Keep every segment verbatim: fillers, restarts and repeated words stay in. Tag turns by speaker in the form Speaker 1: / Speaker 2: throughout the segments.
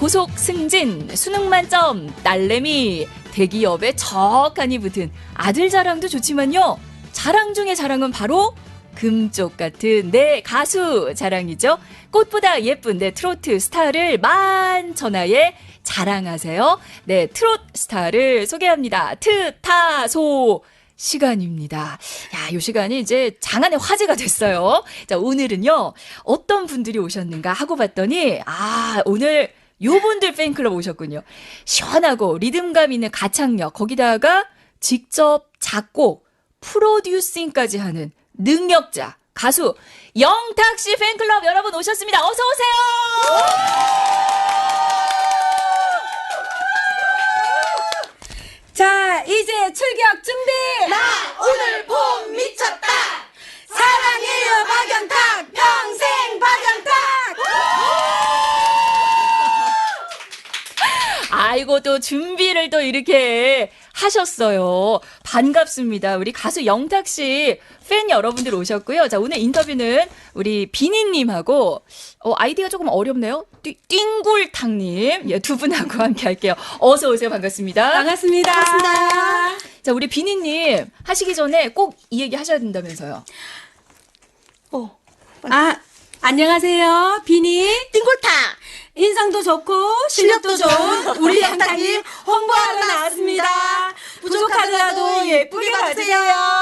Speaker 1: 고속 승진, 수능 만점, 딸내미, 대기업에 척하니 붙은 아들 자랑도 좋지만요. 자랑 중에 자랑은 바로 금쪽 같은 내 가수 자랑이죠. 꽃보다 예쁜 내 트로트 스타를 만천하에 자랑하세요. 네, 트롯 스타를 소개합니다. 트타소 시간입니다. 야, 요 시간이 이제 장안의 화제가 됐어요. 자, 오늘은요, 어떤 분들이 오셨는가 하고 봤더니, 아, 오늘 요분들 팬클럽 오셨군요. 시원하고 리듬감 있는 가창력, 거기다가 직접 작곡, 프로듀싱까지 하는 능력자, 가수 영탁 씨 팬클럽 여러분 오셨습니다. 어서 오세요.
Speaker 2: 자, 이제 출격 준비.
Speaker 3: 나 오늘 봄 미쳤다.
Speaker 2: 사랑해요 박영탁, 평생 박영탁.
Speaker 1: 아이고, 또 준비를 또 이렇게 하셨어요. 반갑습니다. 우리 가수 영탁 씨 팬 여러분들 오셨고요. 자, 오늘 인터뷰는 우리 비니님하고, 어, 아이디가 조금 어렵네요. 띵, 띵굴탕님. 예, 두 분하고 함께 할게요. 어서 오세요. 반갑습니다.
Speaker 2: 반갑습니다.
Speaker 3: 반갑습니다.
Speaker 1: 자, 우리 비니님 하시기 전에 꼭 이 얘기 하셔야 된다면서요.
Speaker 3: 어,
Speaker 2: 아, 안녕하세요. 비니.
Speaker 3: 띵골타.
Speaker 2: 인상도 좋고 실력도 좋은 우리 영탁님 홍보하러 나왔습니다. 부족하더라도 예쁘게 봐주세요.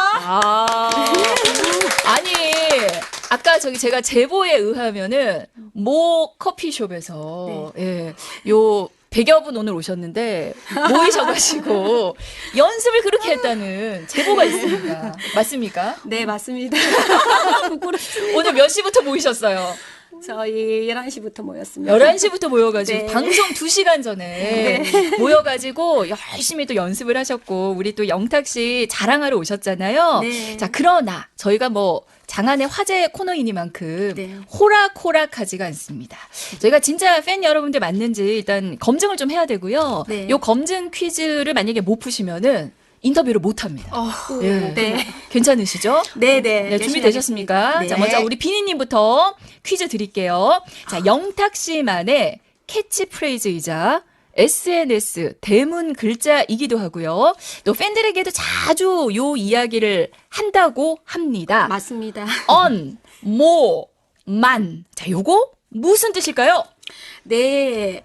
Speaker 1: 아, 아니, 아까 저기 제가 제보에 의하면은 모 커피숍에서 예, 요 백여 분 오늘 오셨는데 모이셔가지고 연습을 그렇게 했다는 제보가 있습니다. 맞습니까?
Speaker 2: 네, 맞습니다. 부끄럽습니다.
Speaker 1: 오늘 몇 시부터 모이셨어요?
Speaker 2: 저희 열한 시부터 모였습니다.
Speaker 1: 열한 시부터 모여가지고
Speaker 2: 네.
Speaker 1: 방송 두 시간 전에 모여가지고 열심히 또 연습을 하셨고 우리 또 영탁 씨 자랑하러 오셨잖아요.
Speaker 2: 네.
Speaker 1: 자, 그러나 저희가 뭐 장안의 화제 코너이니만큼
Speaker 2: 네.
Speaker 1: 호락호락하지가 않습니다. 저희가 진짜 팬 여러분들 맞는지 일단 검증을 좀 해야 되고요.
Speaker 2: 네.
Speaker 1: 요 검증 퀴즈를 만약에 못 푸시면은 인터뷰를 못 합니다.
Speaker 2: 어,
Speaker 1: 예.
Speaker 2: 네.
Speaker 1: 괜찮으시죠?
Speaker 2: 네, 네.
Speaker 1: 네, 준비되셨습니까?
Speaker 2: 네.
Speaker 1: 자, 먼저 우리 비니님부터 퀴즈 드릴게요. 자, 영탁 씨만의 캐치프레이즈이자 에스엔에스 대문 글자이기도 하고요. 또 팬들에게도 자주 요 이야기를 한다고 합니다.
Speaker 2: 맞습니다.
Speaker 1: 언, 모, 만. 자, 요거 무슨 뜻일까요?
Speaker 2: 네.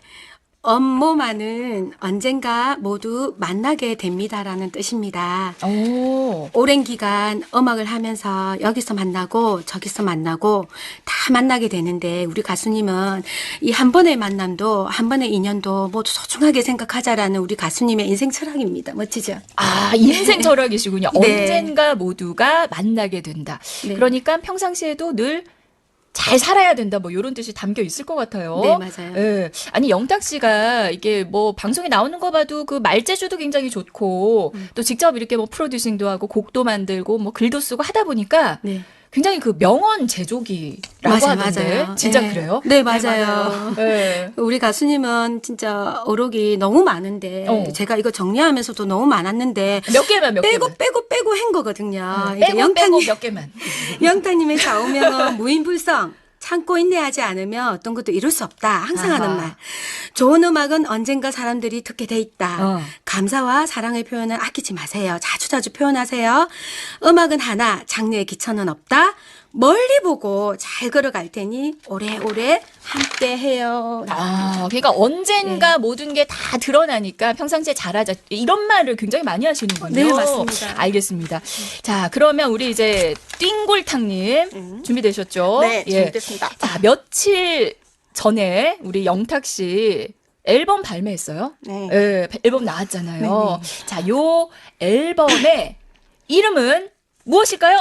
Speaker 2: 업모만은 언젠가 모두 만나게 됩니다라는 뜻입니다.
Speaker 1: 오.
Speaker 2: 오랜 기간 음악을 하면서 여기서 만나고 저기서 만나고 다 만나게 되는데 우리 가수님은 이 한 번의 만남도 한 번의 인연도 모두 소중하게 생각하자라는 우리 가수님의 인생 철학입니다. 멋지죠?
Speaker 1: 아, 인생 철학이시군요.
Speaker 2: 네.
Speaker 1: 언젠가 모두가 만나게 된다.
Speaker 2: 네.
Speaker 1: 그러니까 평상시에도 늘 잘 살아야 된다. 뭐 이런 뜻이 담겨 있을 것 같아요.
Speaker 2: 네, 맞아요.
Speaker 1: 예. 아니, 영탁 씨가 이게 뭐 방송에 나오는 거 봐도 그 말재주도 굉장히 좋고
Speaker 2: 음.
Speaker 1: 또 직접 이렇게 뭐 프로듀싱도 하고 곡도 만들고 뭐 글도 쓰고 하다 보니까
Speaker 2: 네.
Speaker 1: 굉장히 그 명언 제조기라고
Speaker 2: 맞아요,
Speaker 1: 하던데
Speaker 2: 맞아요.
Speaker 1: 진짜
Speaker 2: 네.
Speaker 1: 그래요?
Speaker 2: 네, 맞아요.
Speaker 1: 예.
Speaker 2: 우리 가수님은 진짜 어록이 너무 많은데
Speaker 1: 어.
Speaker 2: 제가 이거 정리하면서도 너무 많았는데
Speaker 1: 몇 개만 몇
Speaker 2: 빼고
Speaker 1: 개만.
Speaker 2: 빼고 빼고 한 거거든요.
Speaker 1: 음,
Speaker 2: 이게
Speaker 1: 빼고 빼고
Speaker 2: 영탁님,
Speaker 1: 몇 개만.
Speaker 2: 영탁님의 좌우명은 무인불성. 참고 인내하지 않으면 어떤 것도 이룰 수 없다. 항상
Speaker 1: 아하.
Speaker 2: 하는 말. 좋은 음악은 언젠가 사람들이 듣게 돼 있다.
Speaker 1: 어.
Speaker 2: 감사와 사랑의 표현을 아끼지 마세요. 자주자주 표현하세요. 음악은 하나, 장르의 기천은 없다. 멀리 보고 잘 걸어갈 테니 오래오래 함께해요.
Speaker 1: 아, 그러니까 언젠가
Speaker 2: 네.
Speaker 1: 모든 게 다 드러나니까 평상시에 잘하자 이런 말을 굉장히 많이 하시는군요.
Speaker 2: 네, 맞습니다.
Speaker 1: 알겠습니다. 자, 그러면 우리 이제 띵골탕님
Speaker 2: 음.
Speaker 1: 준비되셨죠?
Speaker 3: 네,
Speaker 1: 예.
Speaker 3: 준비됐습니다.
Speaker 1: 자, 며칠 전에 우리 영탁 씨 앨범 발매했어요.
Speaker 3: 네.
Speaker 1: 예, 앨범 나왔잖아요. 자, 요 앨범의 이름은 무엇일까요?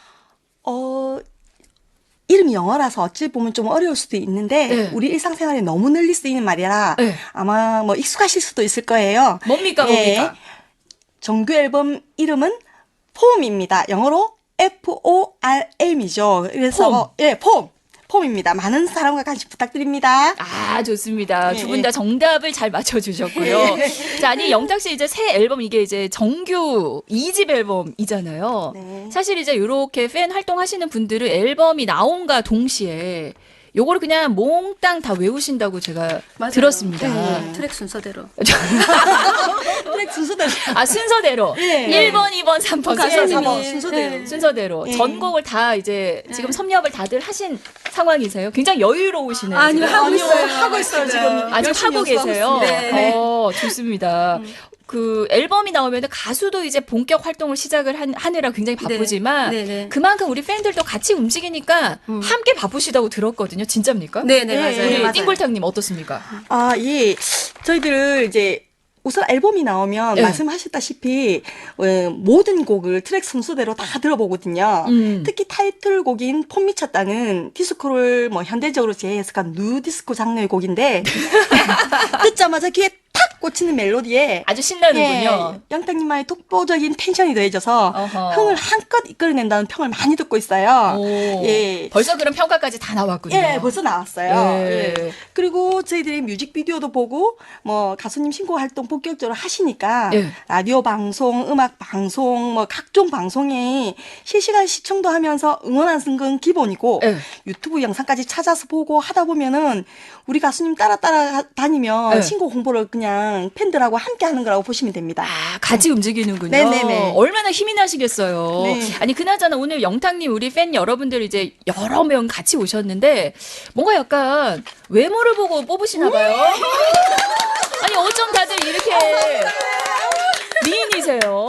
Speaker 3: 어, 이름이 영어라서 어찌 보면 좀 어려울 수도 있는데
Speaker 1: 네.
Speaker 3: 우리 일상생활에 너무 널리 쓰이는 말이라
Speaker 1: 네.
Speaker 3: 아마 뭐 익숙하실 수도 있을 거예요.
Speaker 1: 뭡니까,
Speaker 3: 예.
Speaker 1: 뭡니까?
Speaker 3: 정규 앨범 이름은 폼입니다. 영어로 에프 오 알 엠이죠. 그래서 예, 폼. 폼입니다. 많은 사랑과 관심 부탁드립니다.
Speaker 1: 아, 좋습니다.
Speaker 3: 예,
Speaker 1: 두 분
Speaker 3: 예.
Speaker 1: 다 정답을 잘 맞춰주셨고요. 자, 아니, 영탁 씨 이제 새 앨범 이게 이제 정규 이 집 앨범이잖아요.
Speaker 3: 네.
Speaker 1: 사실 이제 이렇게 팬 활동하시는 분들은 앨범이 나온과 동시에 요거를 그냥 몽땅 다 외우신다고 제가
Speaker 2: 맞아요.
Speaker 1: 들었습니다.
Speaker 2: 네, 트랙 순서대로.
Speaker 3: 트랙 순서대로.
Speaker 1: 아, 순서대로.
Speaker 3: 예.
Speaker 1: 일 번, 이 번, 삼 번
Speaker 3: 가수님이
Speaker 1: 순서대로.
Speaker 3: 순서대로.
Speaker 2: 네.
Speaker 1: 순서대로.
Speaker 3: 예.
Speaker 1: 전곡을 다 이제 지금 섭렵을 다들 하신 상황이세요. 굉장히 여유로우시네요.
Speaker 2: 아니요,
Speaker 1: 지금.
Speaker 2: 하고
Speaker 3: 아니요,
Speaker 2: 있어요.
Speaker 3: 하고 있어요, 지금.
Speaker 1: 아직
Speaker 3: 열심히
Speaker 1: 하고 계세요.
Speaker 3: 연습하고 있습니다. 네.
Speaker 1: 어, 좋습니다. 그 앨범이 나오면 가수도 이제 본격 활동을 시작을 한, 하느라 굉장히 바쁘지만
Speaker 2: 네, 네.
Speaker 1: 그만큼 우리 팬들도 같이 움직이니까 함께 바쁘시다고 들었거든요. 진짜입니까?
Speaker 2: 네, 네,
Speaker 3: 예,
Speaker 2: 맞아요.
Speaker 3: 예,
Speaker 1: 우리
Speaker 3: 맞아요.
Speaker 1: 띵골탕님 어떻습니까?
Speaker 3: 아, 예. 저희들 이제 우선 앨범이 나오면
Speaker 1: 네.
Speaker 3: 말씀하셨다시피 어, 모든 곡을 트랙 순서대로 다 들어보거든요.
Speaker 1: 음.
Speaker 3: 특히 타이틀곡인 폼 미쳤다는 디스코를 뭐 현대적으로 재해석한 누 디스코 장르의 곡인데 듣자마자 귀에 탁 꽂히는 멜로디에
Speaker 1: 아주 신나는군요.
Speaker 3: 예, 영탁님만의 독보적인 텐션이 더해져서
Speaker 1: 어허.
Speaker 3: 흥을 한껏 이끌어낸다는 평을 많이 듣고 있어요.
Speaker 1: 오,
Speaker 3: 예.
Speaker 1: 벌써 그런 평가까지 다 나왔군요.
Speaker 3: 예, 벌써 나왔어요.
Speaker 1: 예.
Speaker 3: 예. 그리고 저희들이 뮤직비디오도 보고 뭐 가수님 신곡 활동 본격적으로 하시니까
Speaker 1: 예.
Speaker 3: 라디오 방송, 음악 방송, 뭐 각종 방송에 실시간 시청도 하면서 응원하는 건 기본이고
Speaker 1: 예.
Speaker 3: 유튜브 영상까지 찾아서 보고 하다 보면은 우리 가수님 따라 따라 다니면
Speaker 1: 예.
Speaker 3: 신곡 홍보를 그냥 팬들하고 함께 하는 거라고 보시면 됩니다.
Speaker 1: 아, 같이 움직이는군요.
Speaker 3: 네네네.
Speaker 1: 얼마나 힘이 나시겠어요.
Speaker 3: 네.
Speaker 1: 아니, 그나저나 오늘 영탁님, 우리 팬 여러분들 이제 여러 명 같이 오셨는데, 뭔가 약간 외모를 보고 뽑으시나 봐요. 아니, 어쩜 다들 이렇게 미인이세요?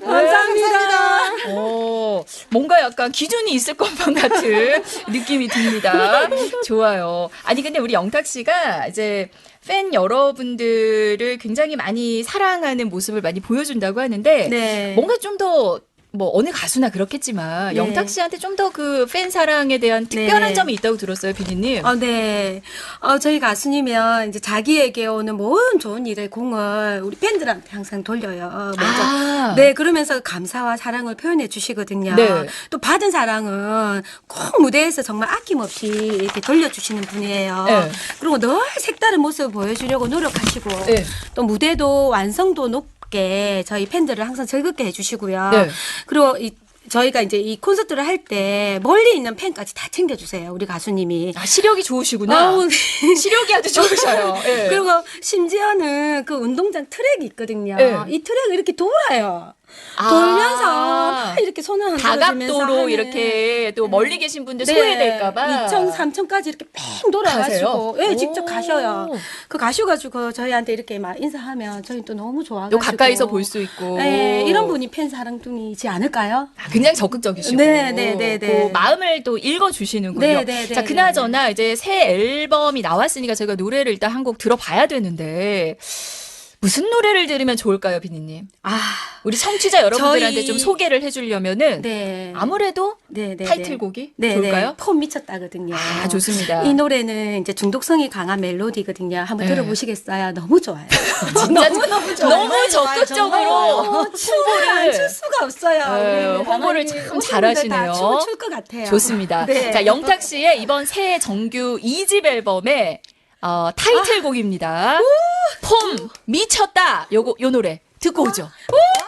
Speaker 2: 감사합니다.
Speaker 1: 어, 뭔가 약간 기준이 있을 것만 같은 느낌이 듭니다. 좋아요. 아니, 근데 우리 영탁 씨가 이제 팬 여러분들을 굉장히 많이 사랑하는 모습을 많이 보여준다고 하는데,
Speaker 2: 네.
Speaker 1: 뭔가 좀 더, 뭐, 어느 가수나 그렇겠지만,
Speaker 2: 네.
Speaker 1: 영탁 씨한테 좀 더 그 팬 사랑에 대한 특별한
Speaker 2: 네.
Speaker 1: 점이 있다고 들었어요, 비디님.
Speaker 2: 어, 네. 어, 저희 가수님은 이제 자기에게 오는 모든 좋은 일의 공을 우리 팬들한테 항상 돌려요. 먼저.
Speaker 1: 아.
Speaker 2: 네, 그러면서 감사와 사랑을 표현해 주시거든요.
Speaker 1: 네.
Speaker 2: 또 받은 사랑은 꼭 무대에서 정말 아낌없이 이렇게 돌려주시는 분이에요.
Speaker 1: 네.
Speaker 2: 그리고 늘 색다른 모습을 보여주려고 노력하시고
Speaker 1: 네.
Speaker 2: 또 무대도 완성도 높게 저희 팬들을 항상 즐겁게 해주시고요.
Speaker 1: 네.
Speaker 2: 그리고 이 저희가 이제 이 콘서트를 할 때 멀리 있는 팬까지 다 챙겨주세요. 우리 가수님이.
Speaker 1: 아, 시력이 좋으시구나.
Speaker 2: 아우,
Speaker 1: 시력이 아주 좋으셔요. 예.
Speaker 2: 그리고 심지어는 그 운동장 트랙이 있거든요.
Speaker 1: 네.
Speaker 2: 이 트랙을 이렇게 돌아요.
Speaker 1: 아.
Speaker 2: 돌면서 막 이렇게 손을 흔들어주면서
Speaker 1: 다각도로
Speaker 2: 하는.
Speaker 1: 이렇게 또 멀리 계신 분들
Speaker 2: 네.
Speaker 1: 소외될까봐.
Speaker 2: 이천, 삼천까지 이렇게 뺑 돌아가시고.
Speaker 1: 가세요?
Speaker 2: 예,
Speaker 1: 오.
Speaker 2: 직접 가셔요. 그 가셔가지고 저희한테 이렇게 막 인사하면 저희 또 너무 좋아가지고.
Speaker 1: 또 가까이서 볼 수 있고.
Speaker 2: 네, 이런 분이 팬 사랑둥이지 않을까요?
Speaker 1: 아, 굉장히 적극적이시고.
Speaker 2: 네, 네, 네, 네.
Speaker 1: 그 마음을 또 읽어주시는군요.
Speaker 2: 네, 네, 네,
Speaker 1: 자,
Speaker 2: 네,
Speaker 1: 그나저나 이제 새 앨범이 나왔으니까 저희가 노래를 일단 한 곡 들어봐야 되는데, 무슨 노래를 들으면 좋을까요, 비니님?
Speaker 2: 아,
Speaker 1: 우리 청취자 여러분들한테
Speaker 2: 저희-
Speaker 1: 좀 소개를 해주려면은
Speaker 2: 네.
Speaker 1: 아무래도
Speaker 2: 네, 네,
Speaker 1: 타이틀곡이
Speaker 2: 네.
Speaker 1: 좋을까요?
Speaker 2: 네, 폼 미쳤다거든요.
Speaker 1: 아, 좋습니다.
Speaker 2: 이 노래는 이제 중독성이 강한 멜로디거든요. 한번
Speaker 1: 네.
Speaker 2: 들어보시겠어요? 너무 좋아요.
Speaker 1: 진짜
Speaker 2: 너무 너무 좋아요.
Speaker 1: 너무 적극적으로 홍보를
Speaker 2: 안출 수가 없어요.
Speaker 1: 네,
Speaker 2: 우리
Speaker 1: 홍보를
Speaker 2: 아마도
Speaker 1: 참
Speaker 2: 오신
Speaker 1: 잘하시네요.
Speaker 2: 분들 다 춤을 출 것 같아요.
Speaker 1: 좋습니다.
Speaker 2: 네.
Speaker 1: 자, 영탁 씨의 이번 새 정규 이 집 앨범의 어, 타이틀곡입니다. 폼 미쳤다. 요거 요 노래 듣고 오죠.